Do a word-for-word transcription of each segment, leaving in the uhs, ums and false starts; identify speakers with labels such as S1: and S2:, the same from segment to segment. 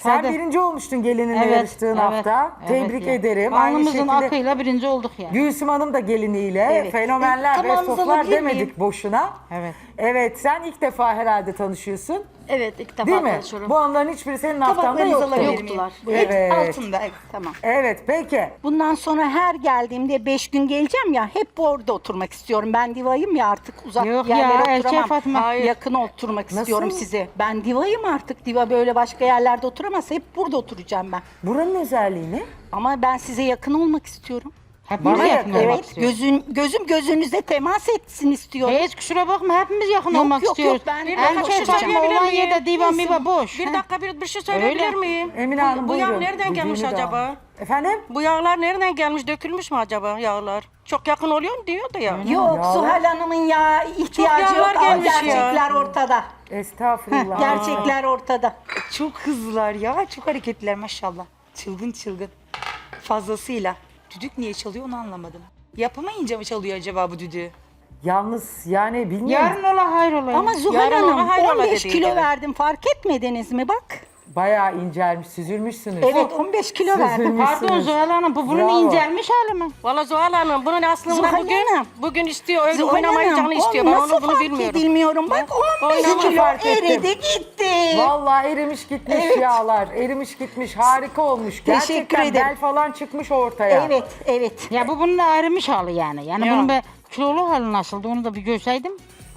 S1: Sen
S2: Sade.
S1: birinci olmuştun gelininle
S2: Evet,
S1: yarıştığın
S2: evet,
S1: hafta.
S2: evet
S1: Tebrik
S2: ya.
S1: ederim. Aynı
S2: Alnımızın
S1: şekilde
S2: akıyla birinci olduk yani.
S1: Gülsüm Hanım da geliniyle
S3: Evet.
S1: fenomenler,
S3: E, tamamınızı
S1: bestoflar
S3: alabilir
S1: demedik
S3: miyim?
S1: boşuna.
S2: Evet.
S1: Evet, sen ilk defa herhalde tanışıyorsun.
S3: Evet, ilk defa
S1: Değil mi?
S3: tanışıyorum.
S1: Bu onların hiçbiri senin haftanda
S3: Tabaklarınızı
S1: yoktu.
S3: alabilir miyim?
S4: Yoktular.
S1: Evet.
S3: Evet, altında, evet, tamam.
S1: Evet, peki.
S4: Bundan sonra her geldiğimde beş gün geleceğim ya hep orada oturmak istiyorum. Ben divayım ya artık uzak
S2: Yok ya,
S4: yerlere
S2: erkek
S4: oturamam.
S2: Fatma.
S4: Hayır. Yakın oturmak
S1: Nasıl?
S4: istiyorum size. Ben divayım artık. Diva böyle başka yerlerde oturamaz. Hep burada oturacağım ben.
S1: Buranın özelliği ne?
S4: Ama ben size yakın olmak istiyorum.
S2: Hepimiz
S1: Bana
S2: yakın
S1: yakın.
S2: olmak
S4: Evet,
S2: istiyoruz.
S4: gözün, gözüm gözünüze temas etsin istiyorum.
S2: Hiç kusura bakma, hepimiz yakın
S4: Yok,
S2: olmak
S4: yok,
S2: istiyoruz.
S4: yok, ben-
S3: Bir dakika, bir
S2: Erkek
S3: şey
S2: Fatma
S3: söyleyebilir
S2: olan
S3: miyim?
S2: yerde diva miva boş.
S3: Bir dakika bir, bir şey söyleyebilir
S2: Öyle.
S3: miyim?
S1: Emine
S3: Bu-
S1: Hanım
S3: Bu yağ
S1: buyurun.
S3: nereden gelmiş
S1: Düdüğünü de
S3: acaba?
S1: alın. Efendim?
S3: Bu yağlar nereden gelmiş? Dökülmüş mü acaba yağlar? Çok yakın oluyor mu diyor da ya.
S4: Yok,
S1: Yağlar-
S4: Zuhal Hanım'ın ya ihtiyacı yok.
S3: yağlar
S4: Ama
S3: gelmiş ya.
S4: gerçekler ortada.
S1: Estağfurullah.
S4: Gerçekler ortada.
S5: Çok hızlılar ya, çok hareketliler maşallah. Çılgın çılgın. Fazlasıyla. Düdük niye çalıyor onu anlamadım. Yapamayınca mı çalıyor acaba bu düdüğü?
S1: Yalnız yani bilmiyorum.
S2: Yarın ola hayır ola.
S4: Ama Zuhal
S3: Yarın ona
S4: Hanım
S3: hayrola
S4: on beş
S3: dediydi,
S4: kilo
S3: evet.
S4: verdim fark etmediniz mi bak?
S1: Bayağı incelmiş, süzülmüşsünüz.
S4: Evet on beş kilo verdim.
S1: Süzülmüşsünüz.
S2: Pardon Zuhal Hanım, bu bunun
S1: Bravo.
S2: incelmiş hali mi?
S3: Valla Zuhal Hanım bunun aslında
S4: Zuhal
S3: bugün
S4: Hanım.
S3: bugün istiyor öyle
S4: Zuhal
S3: oynamayı
S4: Hanım,
S3: canı istiyor.
S4: o
S3: Ben
S4: nasıl
S3: onu bunu
S4: fark
S3: bilmiyorum.
S4: edilmiyorum. Bak on beş
S3: Oynama
S4: kilo
S1: fark ettim.
S4: eridi gitti.
S1: Vallahi erimiş gitmiş
S4: Evet.
S1: yağlar. Erimiş gitmiş. Harika olmuş.
S4: Teşekkür
S1: Gerçekten
S4: ederim.
S1: bel falan çıkmış ortaya.
S4: Evet evet.
S2: Ya bu bunun erimiş hali yani. Yani
S3: Ya.
S2: bunun be kilolu hali nasıldı onu da bir görseydim.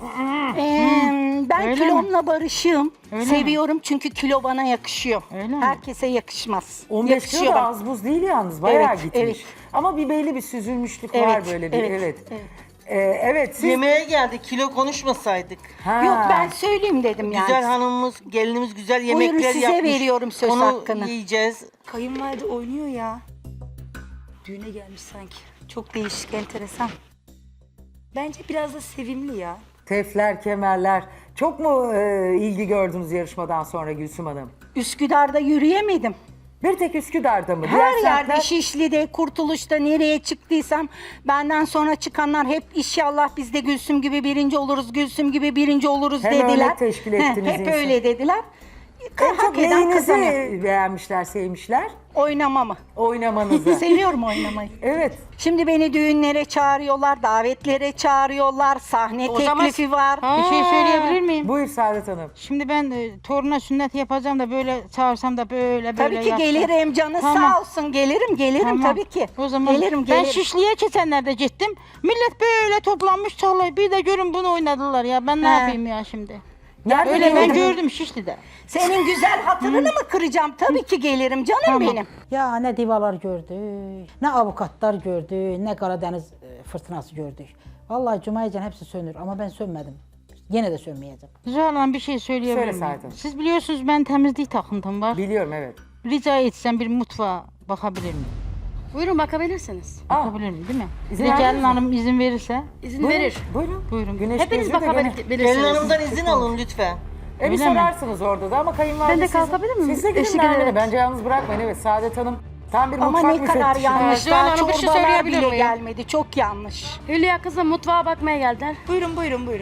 S4: Ee, ben
S2: Öyle
S4: kilomla barışığım.
S2: Öyle
S4: Seviyorum çünkü kilo bana yakışıyor.
S2: Öyle mi?
S4: Herkese yakışmaz.
S1: on beş kilo
S4: Yakışıyor
S1: da
S4: bana.
S1: az buz değil yalnız. Bayağı
S4: Evet,
S1: gitmiş.
S4: evet.
S1: Ama bir belli bir süzülmüşlük var
S4: Evet,
S1: böyle bir. Evet.
S4: evet,
S1: Evet.
S4: evet.
S1: Ee, evet siz...
S6: Yemeğe geldik, kilo konuşmasaydık.
S1: Ha.
S4: Yok ben söyleyeyim dedim yani.
S6: Güzel hanımımız, gelinimiz güzel
S4: Buyurun,
S6: yemekler
S4: size
S6: yapmış.
S4: veriyorum söz
S6: Onu
S4: hakkını.
S6: yiyeceğiz.
S5: Kayınvalide oynuyor ya. Düğüne gelmiş sanki. Çok değişik, enteresan. Bence biraz da sevimli ya.
S1: Tefler, kemerler. Çok mu e, ilgi gördünüz yarışmadan sonra Gülsüm Hanım?
S4: Üsküdar'da yürüyemedim.
S1: Bir tek Üsküdar'da mı?
S4: Her
S1: Diğer
S4: yerde,
S1: semtler-
S4: Şişli'de, Kurtuluş'ta nereye çıktıysam benden sonra çıkanlar hep inşallah biz de Gülsüm gibi birinci oluruz, Gülsüm gibi birinci oluruz
S1: Hem
S4: dediler.
S1: örnek teşkil
S4: Heh,
S1: ettiniz
S4: hep
S1: insan.
S4: öyle dediler.
S1: En çok
S4: Hak eden kazanıyor.
S1: neyinizi beğenmişler, sevmişler?
S4: Oynamamı.
S1: Oynamanızı.
S4: Seviyorum oynamayı.
S1: Evet.
S4: Şimdi beni düğünlere çağırıyorlar, davetlere çağırıyorlar, sahne
S3: O zaman-
S4: teklifi var.
S2: Bir şey söyleyebilir miyim?
S1: Buyur Saadet Hanım.
S2: Şimdi ben e, toruna sünnet yapacağım da böyle çağırsam da böyle böyle
S4: Tabii ki
S2: yapsam.
S4: gelirim canı
S2: Tamam.
S4: sağ olsun gelirim gelirim
S2: Tamam.
S4: tabii ki.
S2: O zaman
S4: gelirim
S2: ben
S4: gelirim.
S2: Şişli'ye geçenlerde gittim. Millet böyle toplanmış çalay. Bir de görün bunu oynadılar ya. Ben ne
S4: He.
S2: yapayım ya şimdi?
S1: Nerede
S2: Öyle ben
S1: gördün?
S2: gördüm Şişli'de.
S4: Senin güzel hatırını mı kıracağım? Tabii ki gelirim canım
S2: Tamam.
S4: benim.
S7: Ya ne divalar gördük, ne avukatlar gördük, ne Karadeniz e, fırtınası gördük. Vallahi Cuma'yıcan hepsi sönür ama ben sönmedim. Yine de sönmeyeceğim.
S2: Zuhal Hanım bir şey söyleyebilir
S1: Söyle
S2: miyim?
S1: Saadet Hanım.
S2: Siz biliyorsunuz ben temizlik takıntım var.
S1: Biliyorum evet.
S2: Rica etsem bir mutfağa bakabilir miyim?
S3: Buyurun bakabilirsiniz.
S1: Aa,
S2: Bakabilir miyim değil mi?
S1: İzin
S2: Bir de
S1: verdiniz
S2: Gelin
S1: mi?
S2: Hanım izin verirse.
S3: İzin
S1: buyurun,
S3: verir.
S1: Buyurun.
S2: Buyurun.
S1: Güneş
S3: Hepiniz
S1: gözü de gene-
S6: Gelin
S3: bakabilirsiniz.
S6: hanımdan izin alın lütfen.
S1: E bir
S2: Öyle mi?
S1: sorarsınız orada da ama kayınvalide
S3: Ben de
S1: siz-
S3: kalkabilir miyim?
S1: Siz de gidin
S3: Eşlik
S1: Nermin'e.
S3: ederek.
S1: Bence yalnız bırakmayın. Evet Saadet Hanım tam bir
S4: Ama
S1: mutfak
S4: ne kadar
S1: müfettişi.
S4: yanlış.
S3: Zuhal
S4: Daha
S3: Hanım, bir şey
S4: çorbalar
S3: söyleyebilir
S4: bile
S3: miyim?
S4: gelmedi. Çok yanlış.
S3: Hülya kızım mutfağa bakmaya geldiler.
S5: Buyurun buyurun buyurun.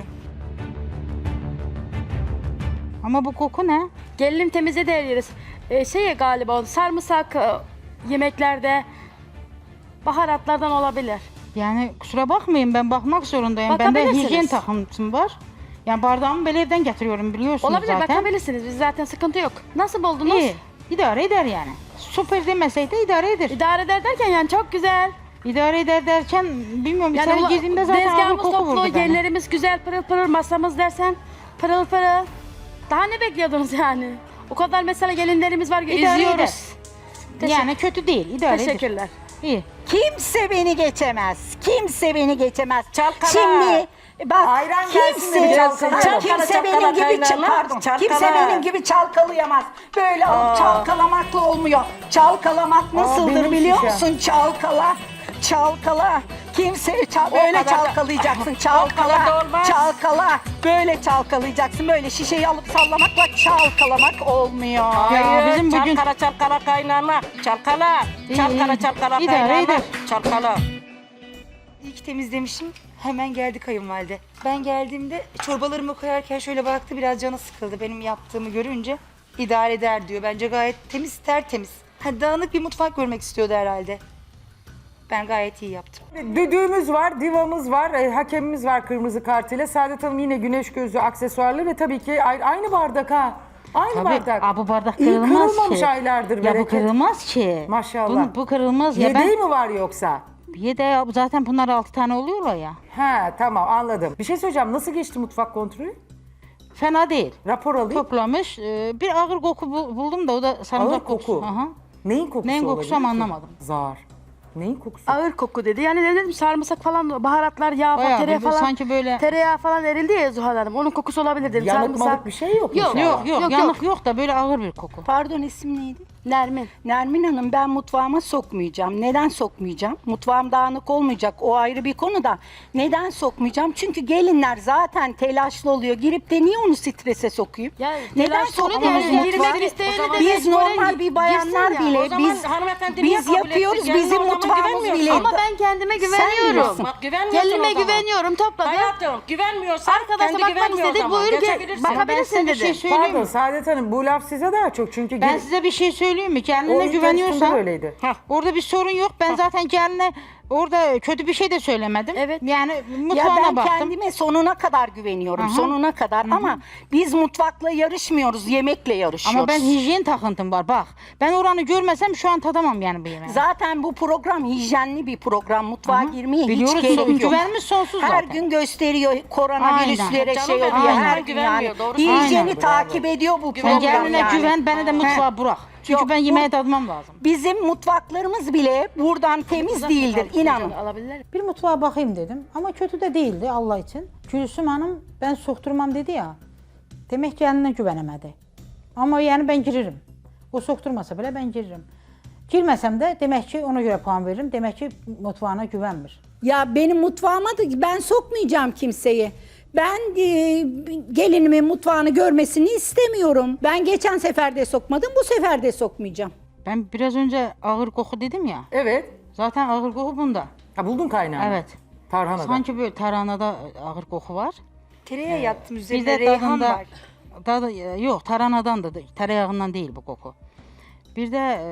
S2: Ama bu koku ne?
S3: Gelinim temizledi her yeri. Ee, şey galiba sarımsak e, yemeklerde baharatlardan olabilir.
S2: Yani kusura bakmayın ben bakmak zorundayım. Bende
S3: Bakabilirsiniz.
S2: hijyen takıntım var. Yani bardağımı böyle evden getiriyorum biliyorsunuz
S3: Olabilir
S2: zaten.
S3: bakabilirsiniz. Biz zaten sıkıntı yok. Nasıl buldunuz?
S2: İyi. İdare eder yani. Süper demeseydi idare eder.
S3: İdare eder derken yani çok güzel.
S2: İdare eder derken bilmiyorum
S3: Yani
S2: içeri
S3: ula-
S2: girdiğimde zaten ağır
S3: tezgahımız
S2: koku
S3: toplu,
S2: vurdu beni.
S3: yerlerimiz güzel, pırıl pırıl, masamız dersen pırıl pırıl. Daha ne bekliyordunuz yani? O kadar mesela gelinlerimiz var ki
S2: İdare
S3: izliyoruz. Teşekkür-
S2: Yani kötü değil idare eder.
S3: Teşekkürler.
S2: İyi.
S4: Kimse beni geçemez. Kimse beni geçemez.
S3: Çalkala.
S4: Şimdi bak
S1: Ayran gelsin de bir
S4: kimse,
S1: çalkalayalım.
S4: Ha, kimse
S3: Çalkala,
S4: benim gibi ç-
S3: kaynana.
S4: pardon.
S3: Çalkala.
S4: Kimse benim gibi çalkalayamaz. Böyle alıp çalkalamakla olmuyor. Çalkalamak nasıldır
S1: benim
S4: biliyor
S1: şişem.
S4: musun? Çalkala. Çalkala. Kimse çal böyle
S3: kadar da-
S4: çalkalayacaksın.
S3: O
S4: Çalkala.
S3: kadar da olmaz.
S4: Çalkala. Böyle çalkalayacaksın. Böyle şişeyi alıp sallamakla çalkalamak olmuyor.
S3: Hayır,
S2: bizim bugün-
S3: çalkala çalkala kaynana, çalkala,
S2: İyi,
S3: çalkala
S2: iyi.
S3: çalkala
S2: İdare
S3: kaynana,
S2: eder.
S3: çalkala.
S5: İyi ki temizlemişim. Hemen geldi kayınvalide. Ben geldiğimde çorbalarımı koyarken şöyle baktı biraz canı sıkıldı benim yaptığımı görünce. idare eder diyor. Bence gayet temiz, tertemiz. Ha, dağınık bir mutfak görmek istiyordu herhalde. Ben gayet iyi yaptım.
S1: Düdüğümüz var, divamız var, e, hakemimiz var kırmızı kartıyla. Saadet Hanım yine güneş gözü aksesuarlı ve tabii ki a- aynı bardak ha. Aynı
S2: Tabii,
S1: bardak.
S2: aa, bu bardak
S1: İyi
S2: kırılmaz
S1: kırılmamış
S2: ki.
S1: aylardır
S2: Ya bu
S1: bereket.
S2: kırılmaz ki.
S1: Maşallah.
S2: Bunu, bu kırılmaz ya.
S1: Yedeği
S2: Ben
S1: mi var yoksa?
S2: yedeği zaten bunlar altı tane oluyorlar ya.
S1: He tamam anladım. Bir şey söyleyeceğim. Nasıl geçti mutfak kontrolü?
S2: Fena değil.
S1: Rapor alayım.
S2: Toplamış. Ee, bir ağır koku bu- buldum da o da sarımsak
S1: Ağır koku.
S2: kokusu. Aha.
S1: Neyin kokusu
S2: Neyin kokusu
S1: olabilir
S2: ama
S1: ki?
S2: anlamadım.
S1: Zar. Neyin kokusu?
S3: Ağır koku dedi. Yani ne dedim sarımsak falan, baharatlar, yağ falan,
S2: Bayağı
S3: tereyağı
S2: bir-
S3: falan.
S2: sanki böyle-
S3: Tereyağı falan erildi ya Zuhal Hanım. Onun kokusu olabilir dedim.
S1: Yanık
S3: sarımsak.
S1: malık bir şey yok
S3: Yok,
S1: inşallah.
S2: Yok yok,
S3: Yok,
S2: yanık yok. da böyle ağır bir koku.
S4: Pardon, isim neydi?
S3: Nermin.
S4: Nermin Hanım, ben mutfağıma sokmayacağım. Neden sokmayacağım? Mutfağım dağınık olmayacak. O ayrı bir konu da. Neden sokmayacağım? Çünkü gelinler zaten telaşlı oluyor. Girip de niye onu strese sokayım?
S3: Ya,
S4: Neden
S3: telaşlı oluyor da
S4: sokmuyoruz
S3: yani
S4: mutfağa?
S3: girmek isteyeni de
S4: Biz
S3: mecburen
S4: normal bir bayanlar
S3: girsin ya.
S4: bile
S3: O zaman
S4: biz
S8: hanımefendi niye
S4: biz
S8: kabul
S4: yapıyoruz.
S8: etti? Gelin
S4: Bizim
S8: o zaman
S4: mutfağımız
S8: güvenmiyorsun.
S4: bile.
S3: Ama ben kendime güveniyorum.
S4: bilirsin.
S8: Bak güvenmiyorsun
S3: Gelinime
S8: o zaman.
S3: güveniyorum, topladım.
S8: Hayatım güvenmiyorsan
S3: Arkadaşa
S8: kendi
S3: bakmak
S8: güvenmiyor o
S3: istedik,
S8: zaman.
S3: buyur gel.
S8: Geçebilirsin.
S2: Ben size
S3: Bakabilirsin
S2: bir şey
S3: dedi.
S2: söyleyeyim
S1: Pardon
S2: mi?
S1: Saadet Hanım bu laf size daha çok çünkü
S2: Ben
S1: gelin-
S2: size bir şey söyleyeyim mi?
S1: o
S2: Kendine
S1: ilk yarışmada
S2: güveniyorsan
S1: böyleydi.
S2: orada bir sorun yok. Ben zaten geline orada kötü bir şey de söylemedim.
S3: Evet.
S2: Yani
S4: Ya
S2: mutfağına
S4: ben
S2: baktım.
S4: kendime sonuna kadar güveniyorum.
S2: Aha.
S4: Sonuna kadar ama biz mutfakla yarışmıyoruz. Yemekle yarışıyoruz.
S2: Ama ben hijyen takıntım var bak. Ben oranı görmesem şu an tadamam yani bu yemeği.
S4: Zaten bu program hijyenli bir program. Mutfağa girmeye
S2: Biliyoruz,
S4: hiç gerek yok.
S2: güvenimiz sonsuz
S4: Her
S2: zaten.
S4: gün gösteriyor koronavirüslere
S8: Aynen.
S4: şey
S8: Canım
S4: oluyor.
S8: benim,
S4: Her
S8: aynen.
S4: gün
S8: Güvenmiyor,
S4: yani.
S8: doğru
S4: Hijyeni
S2: söylüyorsun.
S4: takip ediyor bu
S2: Sen
S4: program
S2: kendine
S4: yani.
S2: güven, bana da mutfağa bırak. Çünkü
S4: Yok,
S2: ben
S4: bu-
S2: yemeğe tadmam lazım.
S4: Bizim mutfaklarımız bile buradan temiz değildir. inanın.
S3: Alabilirler.
S7: Bir mutfağa bakayım dedim ama kötü de değildi Allah için. Gülsüm Hanım ben sokturmam dedi ya. Demek ki kendine güvenemedi. Ama yani ben girerim. O sokturmasa bile ben girerim. Girmesem de demek ki ona göre puan veririm. Demek ki mutfağına güvenmir.
S4: Ya benim mutfağıma da ben sokmayacağım kimseyi. Ben e, gelinimin mutfağını görmesini istemiyorum. Ben geçen sefer de sokmadım, bu sefer de sokmayacağım.
S2: Ben biraz önce ağır koku dedim ya.
S1: Evet.
S2: Zaten ağır koku bunda.
S1: Ha buldun kaynağını.
S2: Evet.
S1: Tarhanada.
S2: Sanki böyle tarhanada ağır koku var.
S5: Tereyağı yaktım
S2: Bir
S5: üzerine
S2: de
S5: reyhan
S2: tadında
S5: var.
S2: tadı, yok tarhanadan da tereyağından değil bu koku. Bir de e,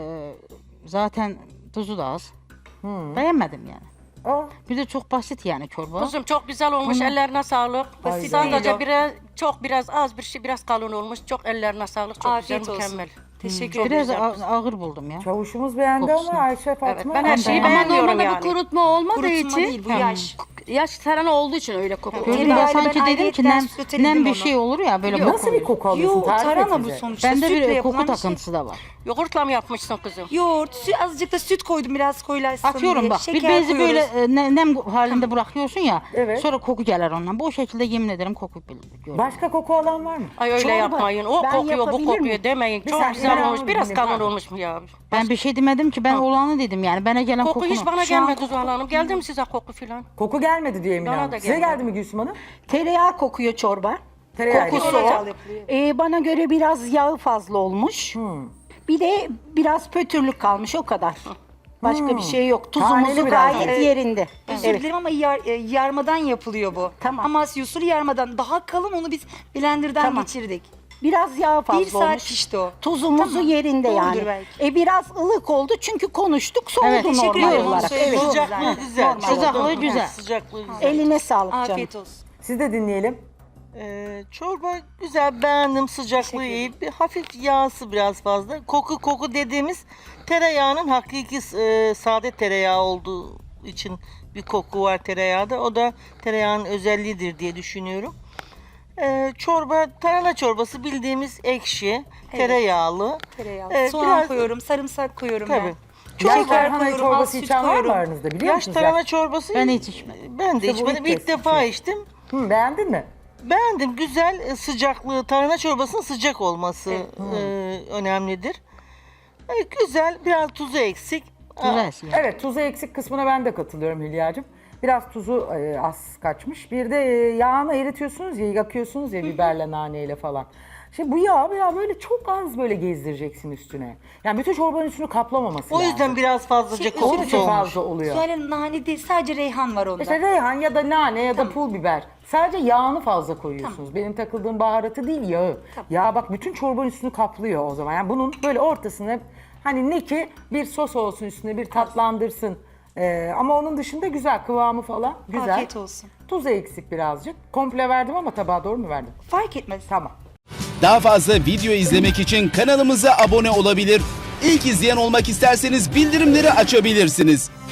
S2: zaten tuzu da az. Beğenmedim yani.
S1: Aa,
S2: Bir de çok basit yani çorba.
S8: Kuzum çok güzel olmuş. Ellerine sağlık.
S5: Basit
S8: Sadece
S5: değil o.
S8: biraz çok biraz az bir şey biraz kalın olmuş. Çok ellerine sağlık. Çok
S5: Afiyet
S8: güzel,
S5: olsun.
S8: mükemmel.
S5: Teşekkür
S2: Biraz
S5: ederim.
S2: a- ağır buldum ya.
S1: çavuşumuz beğendi
S2: Kokusu.
S1: ama Ayşe Fatma.
S8: ben her şeyi
S2: Ama
S8: beğenmiyorum
S3: Normalde
S8: yani.
S3: bu kurutma olmadığı
S5: Kurutma
S3: için.
S5: değil bu yaş.
S3: Yaş tarhana olduğu için öyle kokuyor.
S2: Gördüm ben
S5: Tereyağıyla
S2: sanki
S5: ben
S2: dedim ki
S5: ayrıyetten
S2: nem,
S5: sütledim
S2: nem bir
S5: onu.
S2: şey olur ya böyle
S1: Nasıl bir koku alıyorsun?
S5: Yo
S1: Tarif et
S5: tarhana bu
S1: bize.
S5: sonuçta.
S2: Bende
S5: Sütle
S2: bir
S5: yapılan
S2: koku
S5: bir şey.
S2: takıntısı da var.
S8: Yoğurtla mı yapmışsın kızım?
S5: Yoğurt, süt, azıcık da süt koydum biraz koyulaşsın
S2: Atıyorum
S5: diye.
S2: bak bir
S5: Şeker
S2: bezi böyle
S5: koyuyoruz.
S2: e, ne- nem halinde bırakıyorsun ya.
S1: Evet.
S2: Sonra koku gelir ondan. Bu şekilde yemin ederim koku görüyorum.
S1: Başka koku alan var mı?
S8: Ay öyle
S4: Çorba.
S8: yapmayın. O
S4: Ben
S8: kokuyor, bu
S4: yapabilir
S8: kokuyor
S4: miyim?
S8: demeyin.
S1: Bir
S8: Çok
S1: saniye,
S8: güzel
S1: ben
S8: olmuş.
S1: onu
S8: Biraz
S1: dinledim,
S8: kalın
S1: pardon.
S8: olmuş mu ya?
S2: Ben bir şey demedim ki ben olanı dedim yani. Bana gelen
S8: Koku
S2: kokunu.
S8: hiç bana
S2: Şu an
S8: gelmedi Zuhal Hanım. Geldi mi size koku filan?
S1: Koku gelmedi diye Emine
S8: Bana
S1: Hanım.
S8: da
S1: Size
S8: gelmedi.
S1: geldi mi Gülsüm Hanım?
S4: Tereyağı kokuyor çorba.
S1: Tereyağı
S4: Kokusu
S1: ile.
S4: o.
S5: yapılıyor.
S4: Ee, bana göre biraz yağı fazla olmuş.
S1: Hmm.
S4: Bir de biraz pötürlük kalmış o kadar. Başka bir şey yok.
S1: Taneli
S4: Tuzumuzu
S1: biraz.
S4: gayet
S5: Evet.
S4: yerinde.
S5: Özür
S4: Evet.
S5: dilerim ama yar, e, yarmadan yapılıyor bu.
S4: Tamam.
S5: Amasya usulü yarmadan. Daha kalın onu biz blenderdan
S4: Tamam.
S5: geçirdik.
S4: Biraz yağ fazla
S5: Bir saat
S4: olmuş.
S5: pişti o.
S4: Tuzumuzu
S5: Tamam.
S4: yerinde
S5: Doğrudur
S4: yani.
S5: belki.
S4: E biraz ılık oldu çünkü konuştuk soğudu
S2: Evet,
S5: teşekkür
S4: normal
S5: ederim, onu
S4: olarak.
S5: söyledim.
S4: Evet.
S8: Sıcaklığı güzel.
S2: Sıcaklığı güzel.
S8: Sıcaklığı güzel.
S4: Eline sağlık canım.
S5: Afiyet olsun.
S1: Siz de dinleyelim.
S9: Ee, çorba güzel, beğendim, sıcaklığı iyi. Bir hafif yağsı biraz fazla. Koku koku dediğimiz tereyağının hakiki e, sade tereyağı olduğu için bir koku var tereyağda. O da tereyağının özelliğidir diye düşünüyorum. Ee, çorba, tarhana çorbası bildiğimiz ekşi, tereyağlı.
S5: Tereyağı.
S9: Ee,
S5: Soğan
S9: biraz-
S5: koyuyorum, sarımsak koyuyorum
S9: Tabii.
S5: ben.
S1: Yaş
S5: Şeker
S1: tarhana
S5: koyuyorum, az
S1: çorbası
S5: süt
S1: içen var mı
S5: koyuyorum.
S1: aranızda biliyor
S9: Yaş
S1: musunuz?
S9: tarhana çorbası
S2: Ben hiç içmedim.
S9: ben de
S1: İşte bu
S9: içmedim.
S1: ilk
S9: İlk
S1: kez
S9: defa
S1: içiyorum.
S9: içtim.
S1: Hı, beğendin mi?
S9: Beğendim. Güzel, e, sıcaklığı, tarhana çorbasının sıcak olması e, önemlidir. E, güzel, biraz tuzu eksik.
S2: Güzel yani.
S1: Evet tuzu eksik kısmına ben de katılıyorum Hülya'cığım. Biraz tuzu e, az kaçmış. Bir de e, yağını eritiyorsunuz ya, yakıyorsunuz ya biberle, naneyle falan. Şimdi bu yağ ya böyle çok az böyle gezdireceksin üstüne. Yani bütün çorbanın üstünü kaplamaması
S9: O
S1: lazım.
S9: yüzden biraz fazlaca
S5: Şey,
S1: Onun
S9: kokusu
S1: için
S9: olmuş.
S1: fazla oluyor.
S5: Zuhal Hanım nane değil sadece reyhan var onda.
S1: İşte reyhan ya da nane ya da pul biber. Sadece yağını fazla koyuyorsunuz. Benim takıldığım baharatı değil, yağı. Yağ bak bütün çorbanın üstünü kaplıyor o zaman. Yani bunun böyle ortasına hani ne ki bir sos olsun üstüne, bir tatlandırsın. Ee, ama onun dışında güzel, kıvamı falan güzel.
S5: Afiyet olsun.
S1: Tuzu eksik birazcık. Komple verdim ama tabağa doğru mu verdim?
S5: Fark etmez.
S1: Tamam.
S10: Daha fazla video izlemek için kanalımıza abone olabilir. İlk izleyen olmak isterseniz bildirimleri açabilirsiniz.